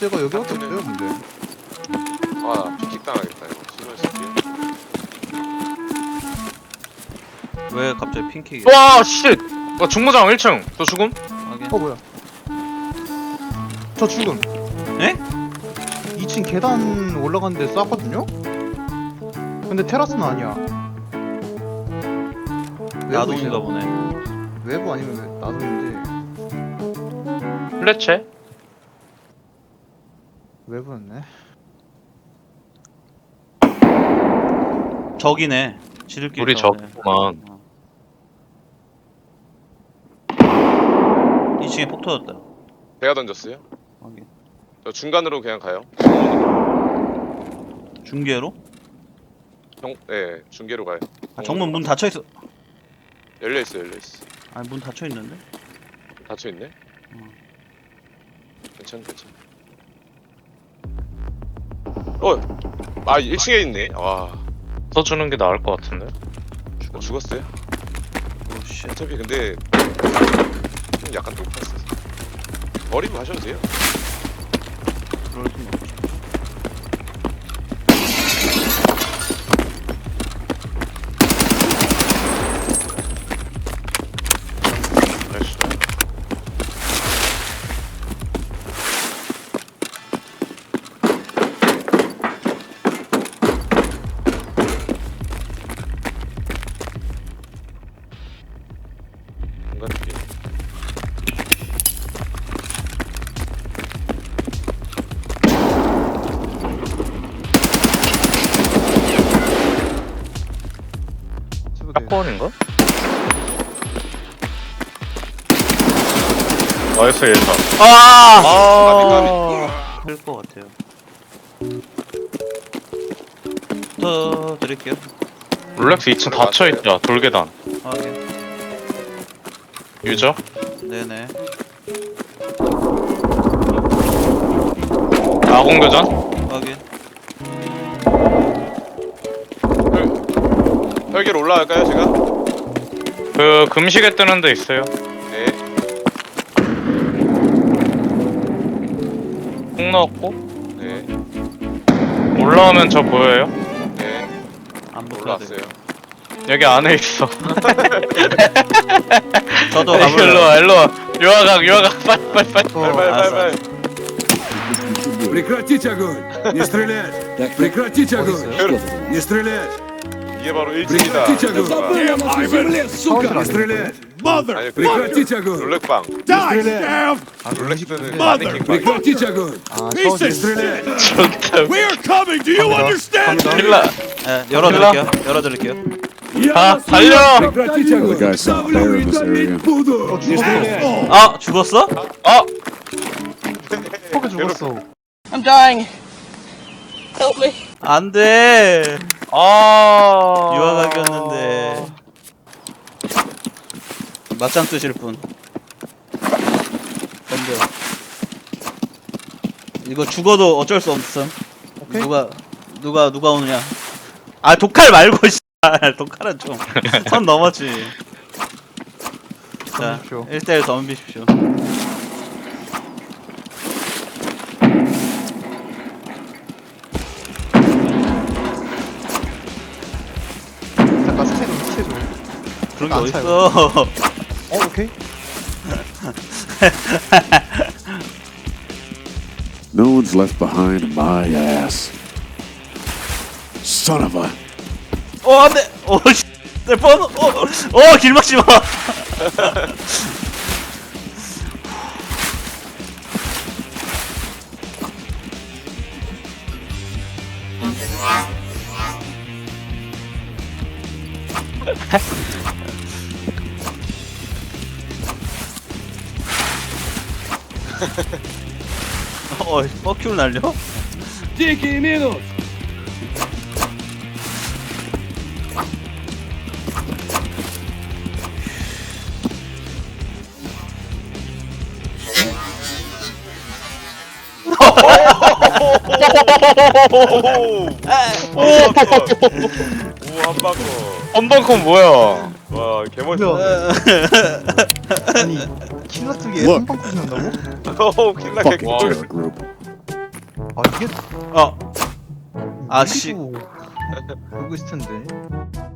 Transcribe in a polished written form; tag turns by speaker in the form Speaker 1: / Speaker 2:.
Speaker 1: 데가 여기밖에 없어요 근데.
Speaker 2: 아 킥 당하겠다 이거. 신호 쓸게요.
Speaker 3: 왜 갑자기 핑키?
Speaker 4: 와 쉣! 와 중무장 1층 또 죽음?
Speaker 3: 확인.
Speaker 1: 뭐야? 저 죽음.
Speaker 3: 에?
Speaker 1: 2층 계단 올라갔는데 쐈거든요? 근데 테라스는 아니야.
Speaker 3: 야동인가 보네.
Speaker 1: 외부 아니면 나동인데
Speaker 4: 플래체?
Speaker 1: 외부였네.
Speaker 3: 적이네. 지들끼리.
Speaker 4: 우리
Speaker 3: 싸우네.
Speaker 4: 적구만.
Speaker 3: 2층에 폭 터졌다.
Speaker 2: 제가 던졌어요.
Speaker 3: 확인.
Speaker 2: 저 중간으로 그냥 가요.
Speaker 3: 중계로?
Speaker 2: 네 중계로 가요.
Speaker 3: 아, 정문 문 닫혀 있어.
Speaker 2: 열려 있어 열려 있어.
Speaker 3: 아니 문 닫혀 있는데?
Speaker 2: 닫혀 있네. 괜찮. 아 1층에 있네. 와
Speaker 4: 써주는 게 나을 것 같은데?
Speaker 2: 죽었어요.
Speaker 3: 오씨.
Speaker 2: 어차피 근데 좀 약간 높았어. 버리고 가셔도 돼요.
Speaker 3: 그럴 순 없지.
Speaker 4: 나이스.
Speaker 2: 뭔가 느낌.
Speaker 4: 사건인가? 나이스 예사.
Speaker 3: 아! 될것 같아요. 더 드릴게요.
Speaker 4: 롤렉스 2층 닫혀있자 돌계단.
Speaker 3: 확인.
Speaker 4: 유저?
Speaker 3: 네네.
Speaker 4: 아공교전?
Speaker 3: 확인.
Speaker 2: 혈결 올라갈까요 제가?
Speaker 4: 그 금시계 뜨는 데 있어요.
Speaker 2: 네.
Speaker 4: 콩 넣었고
Speaker 2: 네.
Speaker 4: 올라오면 저 보여요?
Speaker 2: 네.
Speaker 3: 안 보여요.
Speaker 2: 올라왔어요.
Speaker 4: 여기 안에 있어.
Speaker 3: 저도
Speaker 4: 일로
Speaker 3: 가볼래요.
Speaker 4: 와 일로 와. 유아각 빨리.
Speaker 2: 빨리.
Speaker 5: Прекратить огонь! Не стрелять! Прекратить огонь! Не стрелять!
Speaker 2: 이게 바로 1층이다.
Speaker 5: Прекратить огонь! Не стрелять!
Speaker 2: 아니
Speaker 5: Прекратить огонь!
Speaker 2: 롤렉방.
Speaker 5: Не стрелять!
Speaker 2: 롤렉스는 마네킹 방.
Speaker 5: Прекратить огонь!
Speaker 1: 아
Speaker 5: Не
Speaker 1: 샤워실.
Speaker 5: стрелять!
Speaker 4: 좋다.
Speaker 5: We're coming! Do you understand?
Speaker 4: 킬라.
Speaker 3: 네, 열어드릴게요. 열어드릴게요.
Speaker 4: 아 달려.
Speaker 5: Прекратить огонь! Ставлю и томить буду! Не стрелять!
Speaker 3: 아 죽었어?
Speaker 4: 아
Speaker 1: 포크 죽었어.
Speaker 6: I'm dying. Help me.
Speaker 3: 안돼.
Speaker 4: 아.
Speaker 3: 유아각이었는데. 맞짱 뜨실 분. 근데 이거 죽어도 어쩔 수 없음.
Speaker 1: 오케이.
Speaker 3: 누가 오느냐? 아 독칼 말고 씨. 독칼은 좀 선 넘었지. 자,
Speaker 1: 덤비십시오.
Speaker 3: 1대1 덤비십시오.
Speaker 1: 잠깐 스체 좀.
Speaker 3: 그런 게
Speaker 1: 안
Speaker 3: 어딨어.
Speaker 1: 오케이.
Speaker 7: No one's left behind my ass. Son of a.
Speaker 3: 안돼. 씨. 내 번. 길 막지 마. 퍼큐를 날려?
Speaker 5: Дикий минус!
Speaker 2: 오 한바커.
Speaker 4: 헌벙컨 뭐야?
Speaker 2: 와 개멋있어.
Speaker 1: 아니 킬러 쪽에
Speaker 7: Look.
Speaker 1: 한방 꽂는다고?
Speaker 2: 오 킬라
Speaker 7: Fucking
Speaker 2: 개꿀.
Speaker 7: terror group.
Speaker 1: 아 이게
Speaker 3: 아 씨.
Speaker 1: 보고 있을 텐데.